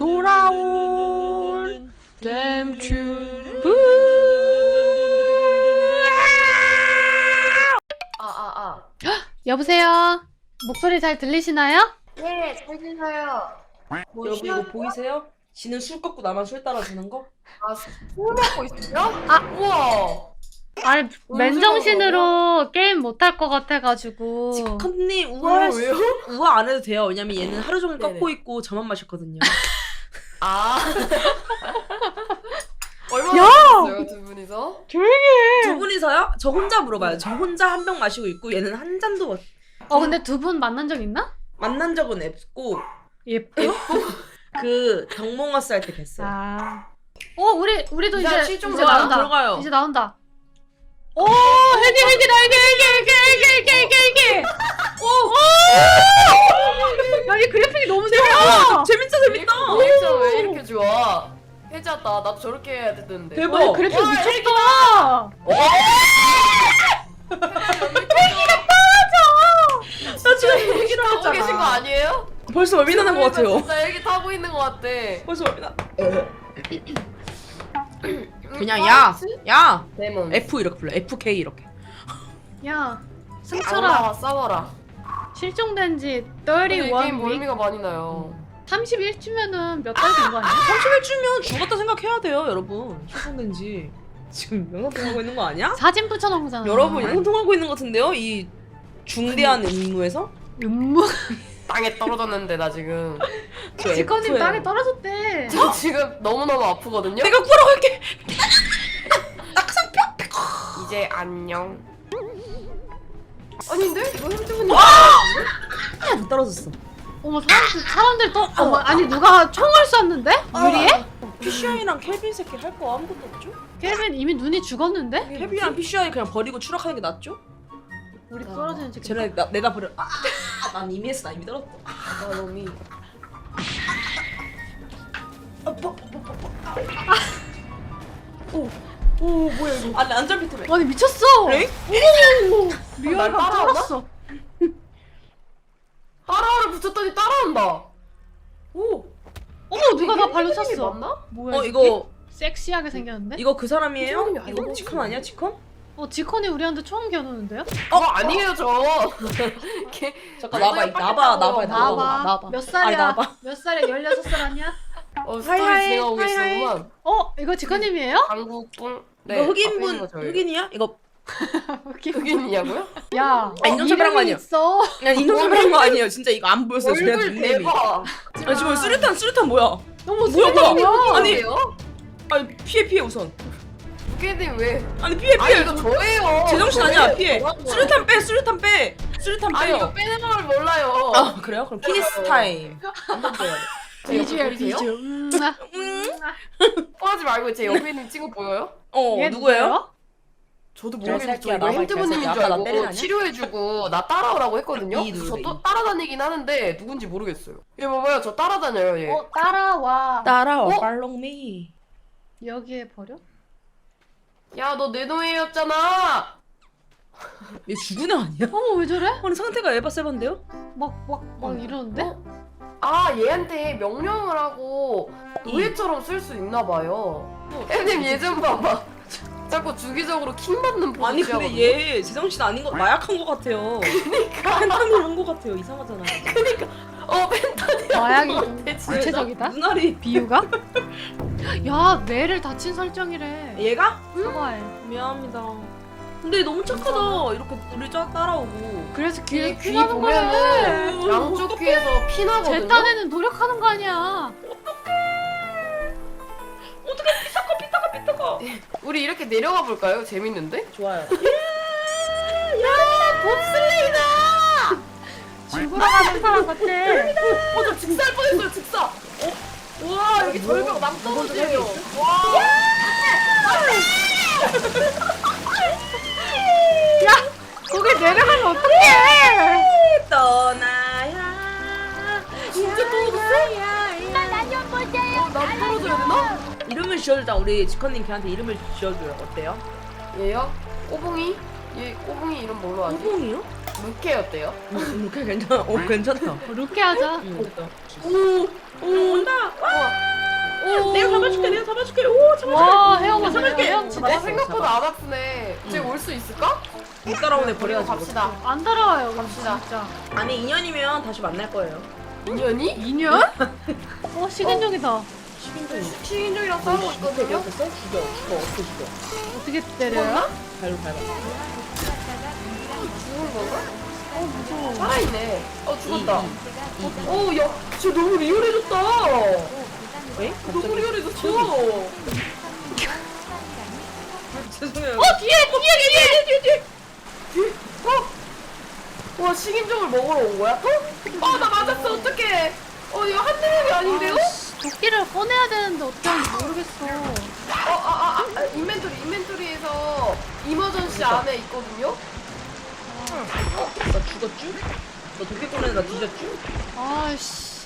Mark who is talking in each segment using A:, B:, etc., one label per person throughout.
A: 돌아온 댐튜브. 여보세요? 목소리 잘 들리시나요?
B: 네, 잘 들려요.
C: 여러분 이거 보이세요? 지는 술 꺾고 나만 술 따라주는 거?
B: 아, 술 먹고 있어요?
A: 아.
B: 우와.
A: 아니 맨정신으로 게임 못할 것 같아가지고.
C: 지컵님 우아할 수,
B: 왜요?
C: 우아 안 해도 돼요. 왜냐면 얘는 하루 종일
B: 네네.
C: 꺾고 있고 저만 마셨거든요.
B: 아.
A: 야!
B: 얼마나 마셨어요, 두 분이서?
A: 조용히 해.
C: 두 분이서요? 저 혼자 물어봐요. 저 혼자 한 병 마시고 있고 얘는 한 잔도
A: 근데 두 분 만난 적 있나?
C: 만난 적은 없고
A: 예뻐.
C: 그 경몽어스 할 때 뵀어요.
A: 아. 우리도
B: 자,
A: 이제
B: 실종
A: 이제
C: 들어가요,
A: 나온다.
C: 들어가요.
A: 이제 나온다. 오, 헬기. 야, 이 그래픽이 너무 좋아.
C: 재밌다.
B: 리액션 왜 이렇게 좋아? 해졌다. 나도 저렇게 해야 되는데.
C: 대박.
A: 와, 그래픽 미쳤다.
C: 나 지금
B: 헬기 타고 계신 거 아니에요?
C: 벌써 멀미 나는 것 같아요.
B: 진짜 헬기 타고 있는 것 같아.
C: 벌써 멀미 나. 그냥 야
B: 데몬.
C: F 이렇게 불러. FK 이렇게.
A: 야,
B: 안
A: 승철아.
B: 나와, 싸워라.
A: 실종된 지
B: 근데 이
A: 31
B: 게임
A: 위.
B: 멀미가 많이 나요.
A: 31주면은 몇 달 된 거 아니야?
C: 31주면 죽었다 생각해야 돼요, 여러분. 실종된 지 지금 영상통하고 있는 거 아니야?
A: 사진 붙여놓은 거잖아.
C: 여러분 영상통하고 있는 것 같은데요? 이 중대한 임무에서?
A: 음무.
B: 땅에 떨어졌는데 나 지금.
C: 저
A: 지커님
C: F예요.
A: 땅에 떨어졌대.
B: 저 지금 너무너무 아프거든요?
C: 내가 구하러 갈게.
B: 이제 안녕. 아닌데? 이거 핸드폰이
C: 안 떨어졌어.
A: 어머, 사람들 또 아니 누가 총을 쐈는데? 유리에?
C: PCI랑 켈빈 새끼 할 거 아무것도 없죠?
A: 켈빈 이미 눈이 죽었는데?
C: 켈빈이랑 PCI 그냥 버리고 추락하는 게 낫죠?
A: 우리 떨어지는 지금.
C: 쟤네 내다 버려. 난 이미 했어. 나 이미 떨었어.
B: 나 놈이.
C: 오 뭐야 이거? 아니 안전벨트
A: 아니 미쳤어.
C: 그래?
A: 리얼감
B: 날 따라오나?
A: 쩔었어.
B: 따라오를 붙였더니 따라온다. 오.
A: 어머 누가 나 발로
B: 핸드폰이
A: 찼어.
B: 맞나?
A: 뭐야? 이
C: 이거
A: 섹시하게 생겼는데?
C: 이거 그 사람이에요?
B: 사람이
C: 이거
B: 아니고.
C: 지컨 아니야 지컨?
A: 지컨이 우리한테 총 겨누는데요?
B: 아니에요 저.
C: 잠깐 나봐
A: 나봐. 몇 살이야?
C: 나봐.
A: 몇 살이야? 16살 아니야?
B: 스토리
C: 하이하이,
B: 진행하고
C: 하이하이.
B: 계시구만.
A: 이거 지컨님이에요?
B: 강국뿡.
C: 이거 흑인분 흑인이야? 이거
B: 흑인이냐고요?
A: 야,
C: 인종차별한 거
A: 이름이
C: 아니야?
A: 있어.
C: 그냥 인종차별한 거 아니에요. 진짜 이거 안 보였어요. 제
B: 얼굴
C: 닉네임이.
B: 대박.
C: 아 지금 수류탄 뭐야?
A: 너무
C: 뭐야,
A: 수줍어.
C: 아니.
B: 아니에요?
C: 아니 피해 우선.
B: 흑인이 왜?
C: 아니 피해.
B: 아니 이거 저예요.
C: 제정신 아니야 피해.
B: 저예요.
C: 수류탄 빼. 수류탄
B: 아니 이거
C: 빼요.
B: 빼는 걸 몰라요.
C: 아 그래요? 그럼 피니스 타임. 한번 빼야 돼.
A: 비주얼
B: 보이세요? 뻔하지 말고 제 옆에 있는 친구 보여요?
A: 얘
C: 누구예요?
B: 저도
C: 개새끼야,
B: 모르겠는데 저 이거
C: 나봐,
B: 핸드폰님인
C: 개새끼야.
B: 줄
C: 아까 나 때리는
B: 알고
C: 아니야?
B: 치료해주고 나 따라오라고 했거든요?
C: 이 누르래,
B: 저 또
C: 이.
B: 따라다니긴 하는데 누군지 모르겠어요. 얘 봐봐요 저 따라다녀요 얘.
A: 따라와.
C: 따라와.
B: 어?
C: Follow me.
A: 여기에 버려?
B: 야 너 내 노예였잖아.
C: 얘 죽은 애 아니야?
A: 어머 왜 저래?
C: 아니 상태가 에바 세반데요?
A: 막 이러는데?
B: 아 얘한테 명령을 하고 노예처럼 쓸 수 있나 봐요. 혜님 얘 좀 봐봐. 자꾸 주기적으로 킹 받는 포즈
C: 아니 근데
B: 취하거든요?
C: 얘 제정신 아닌 거 마약한 거 같아요. 그러니까 펜타닐 한거 같아요. 이상하잖아.
B: 펜타닐
A: 마약이
B: 같아, 진짜.
A: 구체적이다?
C: 눈알이
A: 비유가? 야 뇌를 다친 설정이래.
C: 얘가?
A: 사과해.
C: 미안합니다. 근데 너무 착하다. 이렇게 우리 따라오고.
A: 그래서
B: 귀
A: 귀 나는
B: 보면은
A: 거래.
B: 양쪽 귀에서 피 나거든요?
A: 제 딴에는 노력하는 거 아니야.
C: 삐딱거.
B: 우리 이렇게 내려가 볼까요? 재밌는데?
C: 좋아요.
B: 봅슬레이다!
A: 죽으러 가는 사람 같아.
B: 저 직살 뻔했어요 직사! 와 여기 절벽 남떨어지네요. 와!
A: 거기 내려가면 어떡해?
C: 떠나야.
B: 진짜 떨어졌어? 나 떨어져야 되나?
C: 이름을 지어주자. 우리 지컨님 걔한테 이름을 지어줘요. 어때요?
B: 얘요? 꼬붕이? 얘 꼬붕이 이름 뭘로 하지?
C: 호봉이요?
B: 루케였대요?
C: 괜찮아. 괜찮다.
A: 루케 하자.
C: 됐다.
B: 오!
C: 온다.
B: 와!
C: 잡아줄게. 오 잡아줄게.
A: 와 헤엄을
C: 잡아줄게.
A: 헤엄치네.
B: 아, 생각보다 안 아프네. 쟤 올 수 있을까?
C: 못 따라오네.
B: 버리고
C: 버려야지.
B: 갑시다.
A: 안 따라와요
B: 갑시다.
A: 진짜.
C: 아니 2년이면 다시 만날 거예요.
B: 인연이?
A: 2년? 식인종이다.
B: 식인종이랑 싸우고 있거든요?
C: 죽여. 어떻게 죽여?
A: 어떻게 때려요?
C: 발로 밟아.
B: 죽은 건가?
A: 무서워.
B: 살아있네. 죽었다.
C: 이.
B: 야, 진짜 너무 리얼해졌다.
C: 왜?
B: 너무 리얼해졌어.
C: 죄송해요.
B: 뒤에. 와, 식인종을 먹으러 온 거야? 나 맞았어. 어떡해. 이거 한 대목이 아닌데요?
A: 도끼를 꺼내야 되는데 어떻게 하는지 모르겠어.
B: 인벤토리에서 이머전시
C: 됐다.
B: 안에 있거든요?
C: 나 죽었쥬? 너 도끼 꺼내서 나 뒤졌쥬?
A: 아씨.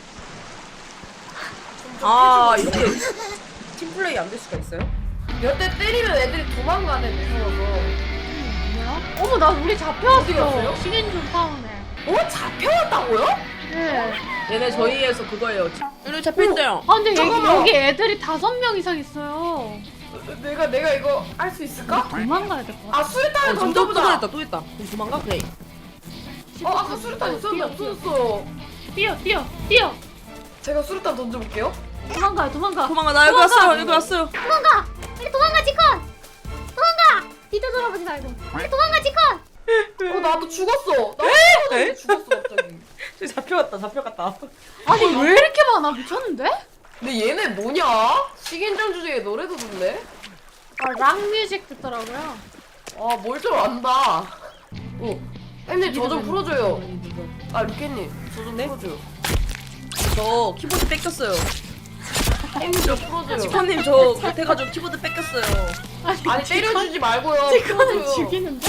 C: 이렇게 팀플레이 안 될 수가 있어요?
B: 몇 대 때리면 애들이 도망가네, 무서워서.
A: 뭐야? 어머 나 우리
B: 어디
A: 잡혀왔어.
B: 갔어요?
A: 식인종 타운에.
B: 잡혀왔다고요?
A: 네.
C: 얘네 저희에서 그거예요. 우리 잡혀있어요.
A: 아 근데
B: 잠깐만.
A: 여기 애들이 5명 이상 있어요.
B: 내가 이거 할 수 있을까?
A: 도망가야 될 것 같아.
B: 수류탄을
C: 또
B: 던져보자.
C: 있다. 그럼 도망가? 그래.
B: 아까 수류탄 있었는데 없어졌어.
A: 뛰어.
B: 제가 수류탄 던져볼게요.
A: 도망가.
C: 도망가. 나 여기 왔어요. 여기 왔어요.
A: 도망가. 빨리 도망가 지컨. 도망가. 뒤도 돌아보지 말고. 빨리 도망가 지컨.
B: 나도 죽었어.
C: 에?
B: 죽었어 갑자기.
C: 저기 잡혀갔다.
A: 아니 왜 이렇게 많아? 미쳤는데?
B: 근데 얘네 뭐냐? 식인종 주제에 노래도 듣네.
A: 락 뮤직 듣더라고요.
B: 뭘 좀 안다. 햄님 저 좀 풀어줘요. 루켓님 저 좀
C: 네?
B: 풀어줘요.
C: 저 키보드 뺏겼어요.
B: 햄님 저 풀어줘요.
C: 지코님 저 못해가지고 키보드 뺏겼어요.
B: 아니 때려주지 말고요.
A: 지컨은
B: 풀어줘요.
A: 죽이는데?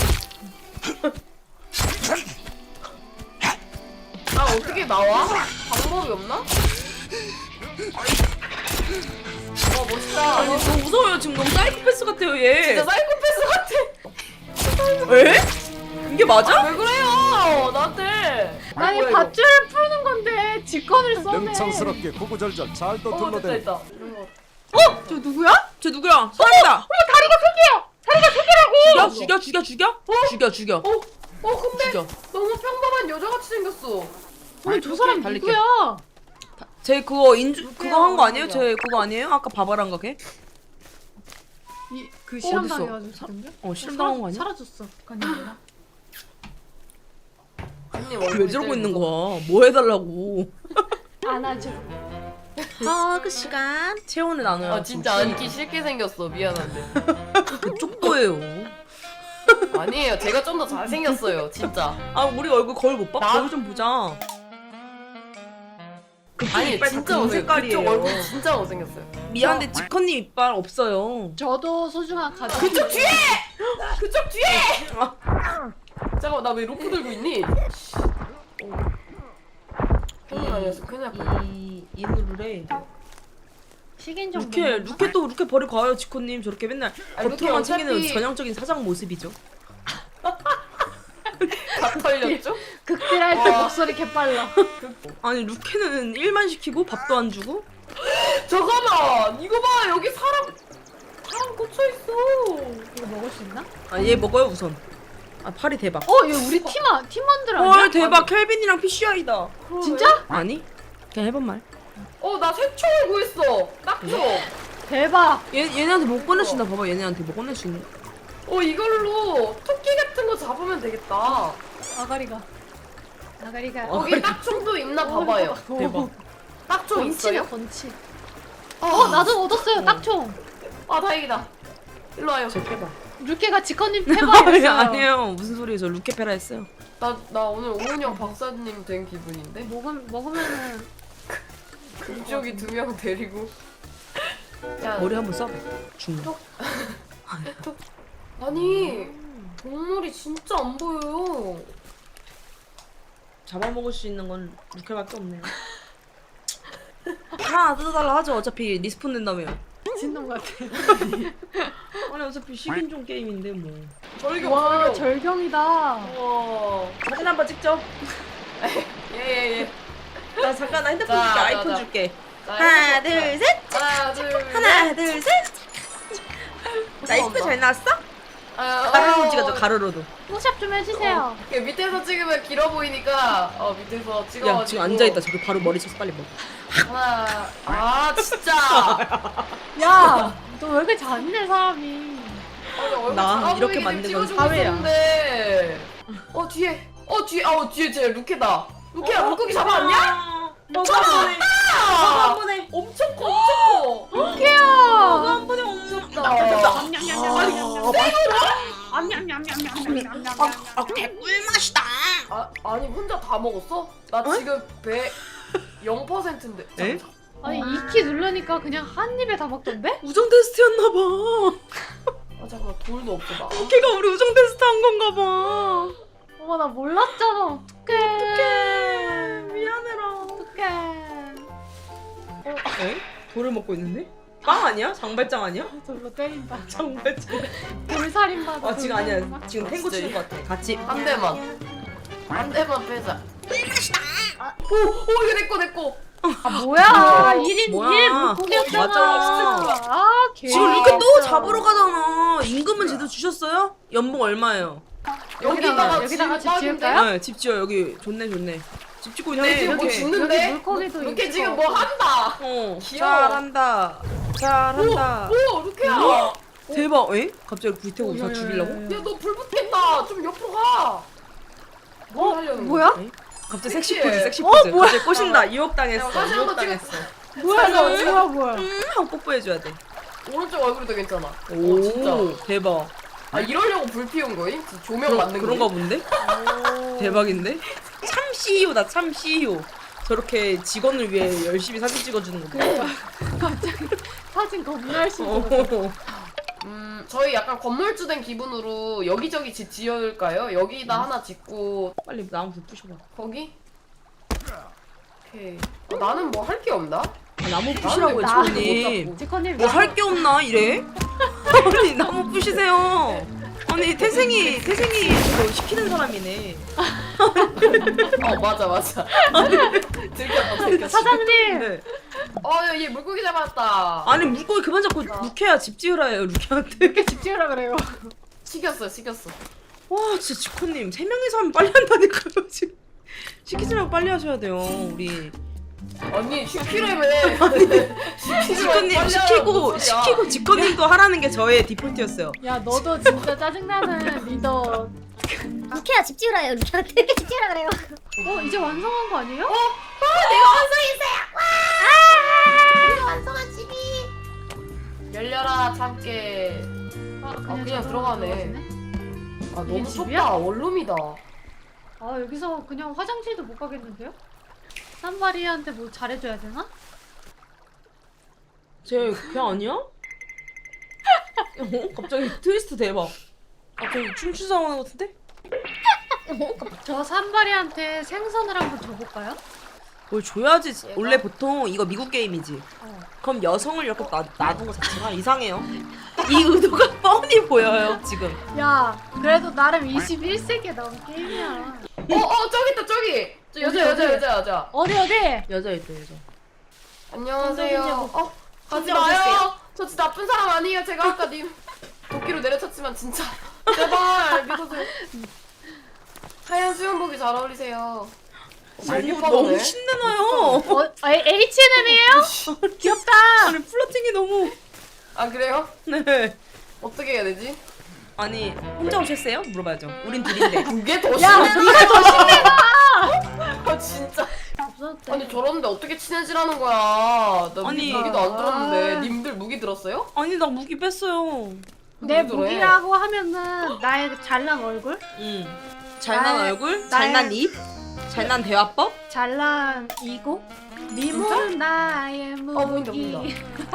B: 어떻게 나와? 방법이 없나? 멋있다.
C: 아니 너무 무서워요. 지금 너무 사이코패스 같아요 얘.
B: 진짜 사이코패스 같아.
C: 에? 이게 맞아?
B: 왜 그래요? 나한테.
A: 아니
B: 뭐야, 이거?
A: 밧줄을 푸는 건데 지컨을 써네.
D: 능청스럽게 구구절절 잘 또
B: 됐다
D: 둘러대네.
B: 됐다. 이런 거.
A: 저 누구야?
C: 쟤 누구야? 사람이다.
A: 다리가 세 개야. 다리가 세 개라고.
C: 죽여.
B: 근데
C: 죽여.
B: 너무 평범한 여자같이 생겼어.
A: 아니 저 사람
C: 달릴게.
A: 누구야?
C: 쟤 그거 그거 한 거 아니에요? 쟤 그거 아니에요? 아까 바바란 거 걔?
A: 그 실험
C: 어딨어?
A: 당해가지고 사람들?
C: 실험 당한 거 아니야?
A: 사라졌어. 아니야.
B: 언니
C: 왜 저러고 있는 거야? 뭐 해달라고?
A: 안아줘.
C: 그 시간 체온을 나눠요.
B: 진짜 앉기 싫게 생겼어. 미안한데.
C: 쪽도예요.
B: 아니에요. 제가 좀 더 잘생겼어요. 진짜.
C: 우리 얼굴 거울 못 봐?
B: 나-
C: 거울 좀 보자.
B: 아니
C: 이빨
B: 진짜
C: 다
B: 못생
C: 색깔이에요.
B: 그쪽 얼굴 진짜 못생겼어요.
C: 미안한데 지컨님 이빨 없어요.
A: 저도 소중한 가족.
B: 그쪽 뒤에! 그쪽 뒤에! 잠깐만 나 왜 로프 들고 있니? 형님 아니었어. 큰일 날 뻔.
C: 이 누르래.
A: 식인종.
C: 루켓 버리고 가요 지컨님. 저렇게 맨날
B: 루켓
C: 겉으로만 챙기는
B: 어차피-
C: 전형적인 사장 모습이죠.
B: 각 털렸죠?
A: 극딜할 때 목소리 개빨라.
C: 아니 루켓은 일만 시키고 밥도 안 주고.
B: 잠깐만 이거 봐 여기 사람 꽂혀 있어.
A: 이거 먹을 수 있나?
C: 얘 먹어요 우선. 팔이 대박.
A: 얘 우리 팀원들 아니야?
C: 헐 대박. 켈빈이랑 PCI다.
A: 진짜?
C: 아니? 그냥 해본 말.
B: 나 새총을 구했어. 딱총.
A: 대박.
C: 얘네한테 못 꺼내준다. 봐봐 얘네한테 못 꺼낼 수 있는.
B: 이걸로 토끼 같은 거 잡으면 되겠다.
A: 아가리가.
B: 거기 딱총도 있나 봐봐요.
C: 대박.
B: 딱총
A: 번치네
B: 있어요?
A: 번치. 나도 얻었어요 딱총.
B: 다행이다. 일로 와요.
C: 제 패봐.
A: 루케가 지컨님 패버렸어요.
C: 아니에요. 무슨 소리예요? 저 루케페라 했어요.
B: 나 오늘 오은영 박사님 된 기분인데?
A: 먹으면은
B: 금쪽이 2명 데리고. 야,
C: 머리 한번 써봐. 죽는.
B: 아니 동물이 진짜 안 보여요.
C: 잡아먹을 수 있는 건 루케밖에 없네요. 하나 뜯어달라 하죠. 어차피 리스폰 된다며요.
A: 미친놈 같아.
C: 아니 어차피 식인종 게임인데 뭐.
B: 절경
A: 와
B: 절경.
A: 절경이다.
B: 와.
C: 사진 한번 찍죠.
B: 예예예.
C: 나 잠깐 나 핸드폰
B: 자,
C: 줄게.
B: 자,
C: 아이폰
B: 자.
C: 줄게.
B: 자,
C: 하나
B: 해보자.
C: 둘 셋.
B: 하나 둘
C: 하나 하나 둘 셋. 나 이쁘게 잘 나왔어? 가로로 찍어줘 가로로도.
A: 포샵 좀 해주세요.
B: 밑에서 찍으면 길어 보이니까 밑에서 찍어가지고.
C: 야 지금 앉아있다 저기 바로 머리 쳐서 빨리 먹어.
B: 하나. 아 진짜.
A: 야, 너 왜 이렇게 잔인해 사람이?
B: 아니, 얼굴
C: 나
B: 작아
C: 이렇게
B: 보이게
C: 만든 건
B: 찍어주고
C: 사회야.
B: 있었는데. 뒤에 쟤 루케다. 루케야 물고기 잡아왔냐?
C: 너가 한 번에
B: 엄청 커 엄청 커.
A: 루키야.
C: 너가 한 번에 엄청 꿀맛이다.
B: 아니 혼자 다 먹었어? 나 지금 배 0%인데.
C: 에?
A: 아니 이키 누르니까 그냥 한 입에 다 먹던데?
C: 우정 테스트였나봐.
B: 잠깐만 돌도 없어 나.
C: 걔가 우리 우정 테스트 한 건가 봐.
A: 어머 나 몰랐잖아. 어떡해.
C: 미안해라.
A: 어떡해.
C: 에? 돌을 먹고 있는데? 빵 아니야? 장발장 아니야?
A: 돌로 때린다.
C: 장발장.
A: 돌살인 받아.
C: 아 지금 아니야. 지금 탱고
B: 진짜
C: 치는 것 같아. 같이.
B: 한 대만. 한 대만 빼자. 오 이거 내꺼.
A: 아 뭐야? 1인
C: 뭐야?
A: 1 물고기였잖아.
C: 맞아.
A: 아 개.
C: 지금 이렇게 또 잡으러 가잖아. 임금은 제대로 주셨어요? 연봉 얼마예요?
A: 여기다가 집 지을까요?
C: 네, 집 지어. 여기 좋네. 집 짓고
B: 여기
C: 있네.
B: 지금 뭐
C: 이렇게.
B: 짓는데?
A: 여기 물고기도
B: 루케
A: 있을
B: 지금
A: 것
B: 뭐 한다.
C: 귀여워. 잘한다.
B: 오 루케야.
C: 대박. 에? 갑자기 불태우고 다 죽이려고?
B: 야 너 불 붙겠다. 좀 옆으로 가. 뭘 하려는
A: 뭐야?
C: 에? 갑자기 섹시
B: 섹시해.
C: 포즈, 섹시 포즈.
A: 뭐야?
C: 갑자기 꼬신다. 유혹당했어.
B: 야, 사진 한번
C: 유혹당했어.
A: 뭐야?
C: 하고 뽀뽀해줘야 돼.
B: 오른쪽 얼굴도 괜찮아.
C: 오,
B: 오 진짜.
C: 대박.
B: 아 이러려고 불 피운 거임? 조명 만든 거.
C: 그런가 본데? 대박인데? 참 CEO다, 참 CEO. 저렇게 직원을 위해 열심히 사진 찍어주는 거.
A: 갑자기 사진 겁나 열심히
C: 어.
A: 찍었어.
B: 저희 약간 건물주 된 기분으로 여기저기 집 지을까요? 여기다 하나 짓고
C: 빨리 나무 불 부셔봐.
B: 거기? 오케이. 나는 뭐 할 게 없나?
C: 나무 부시라고요,
B: 나는
C: 지훈님.
A: 지커님
C: 뭐 할 게 없나 이래? 아니 나무 부시세요. 아니 태생이 저거 시키는 사람이네.
B: 맞아. 들켰다.
A: 사장님.
C: 네.
B: 얘 물고기 잡았다.
C: 아니 물고기 그만 잡고 루케야 집 지으라 해요 루케한테.
A: 이렇게 집 지으라 그래요.
B: 시켰어.
C: 와 진짜 지코님 3명이서 하면 빨리 한다니까요 지금. 시키지 말고 빨리 하셔야 돼요 우리.
B: 아니 시키려면
C: 지코님 시키고 지코님도 하라는 게 저의 디폴트였어요.
A: 야 너도 진짜 짜증나는 리더.
E: 루케야 집 지으라요. 루케한테 이렇게 집 지으라 그래요.
A: 이제 완성한 거 아니에요?
E: 우리가 완성한 집이.
B: 열려라 참깨. 그냥
A: 저기로
B: 들어가네.
A: 들어가시네?
B: 너무
A: 이게 집이야?
B: 좁다. 원룸이다.
A: 여기서 그냥 화장실도 못 가겠는데요? 산마리한테 뭐 잘해줘야 되나?
C: 쟤 그냥 아니야? 갑자기 트위스트 대박. 갑자기 춤추자 오는 것 같은데?
A: 저 산마리한테 생선을 한번 줘볼까요?
C: 뭘 줘야지. 원래 보통 이거 미국 게임이지. 그럼 여성을 이렇게 놔둔 거 자체가 이상해요. 이 의도가 뻔히 보여요 지금.
A: 야 그래도 나름 21세기에 나온 게임이야.
B: 저기 있다 저기. 여자.
A: 어디?
C: 여자.
B: 안녕하세요. 가지
A: 진짜 오셨어요?
B: 마요. 저 진짜 나쁜 사람 아니에요. 제가 아까 님 도끼로 내려쳤지만 진짜 제발 믿어주세요. 하얀 수영복이 잘 어울리세요.
C: 너무 신나요.
A: H&M이에요? 귀엽다.
C: 아니 플러팅이 너무.
B: 아 그래요?
C: 네.
B: 어떻게 해야 되지?
C: 아니 혼자 오셨어요? 물어봐야죠. 우린 둘인데.
B: 그게 더
A: 야,
B: 심해.
A: 네가 더 심해가.
B: 아 진짜.
A: 무섭다.
B: 아니 저러는데 어떻게 친해지라는 거야? 나
C: 아니.
B: 무기도 안 들었는데 님들 무기 들었어요?
C: 아니 나 무기 뺐어요.
A: 내
B: 무기도 해.
A: 무기라고 하면은 나의 그 잘난 얼굴,
C: 잘난
A: 나의-
C: 얼굴,
A: 나의-
C: 잘난 입, 잘난 대화법.
A: 잘난 이고, 미모는 나의 무기.
B: 보인다.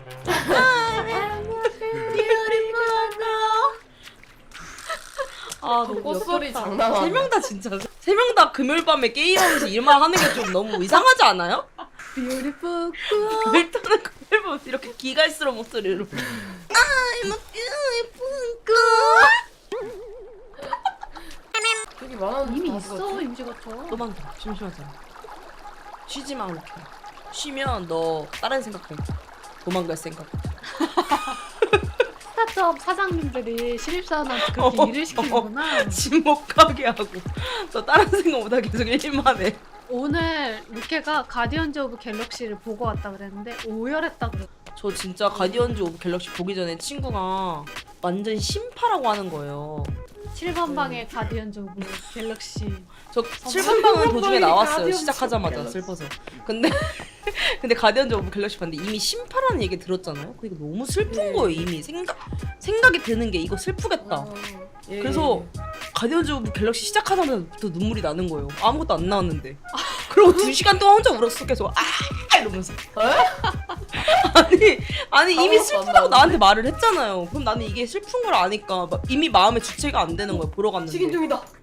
C: 아
B: 그 꽃소리 장난 아니야.
C: 3명 다 진짜 3명 다 금요일 밤에 게임하면서 일만 하는 게 좀 너무 이상하지 않아요?
A: Beautiful
C: 일단은 금요일 밤에 이렇게 기갈스러운 목소리로
B: 되게 많았는데
A: 이미
B: 다
A: 있어
B: 죽었지?
A: 임시거처.
C: 또 많다. 심심하잖아. 쉬지 마 이렇게. 쉬면 너 다른 생각해. 도망갈 생각.
A: 스타트업 사장님들이 신입사원한테 그렇게 일을 시키는구나.
C: 집 못 가게 하고 또 다른 생각 못하고 계속 일만 해.
A: 오늘 루케가 가디언즈 오브 갤럭시를 보고 왔다 그랬는데 오열했다 그랬어.
C: 저 진짜 가디언즈 오브 갤럭시 보기 전에 친구가 완전 심파라고 하는 거예요.
A: 7번 방의 가디언즈 오브 갤럭시.
C: 저 7번 방은 도중에 나왔어요.
A: 가디언즈
C: 시작하자마자 슬퍼서. 근데 가디언즈 오브 갤럭시 봤는데 이미 심파라는 얘기 들었잖아요. 그게 너무 슬픈 거예요. 이미 생각이 드는 게 이거 슬프겠다.
B: 예,
C: 그래서 가디언즈 오브 갤럭시 시작하자마자부터 눈물이 나는 거예요. 아무것도 안 나왔는데. 그리고 2시간 동안 혼자 울었어. 계속 이러면서. 아니 이미
B: 아무것도 안
C: 슬프다고
B: 나왔는데?
C: 나한테 말을 했잖아요. 그럼 나는 이게 슬픈 걸 아니까 이미 마음의 주체가 안 되는 거예요. 보러 갔는데.
B: 식인 중이다.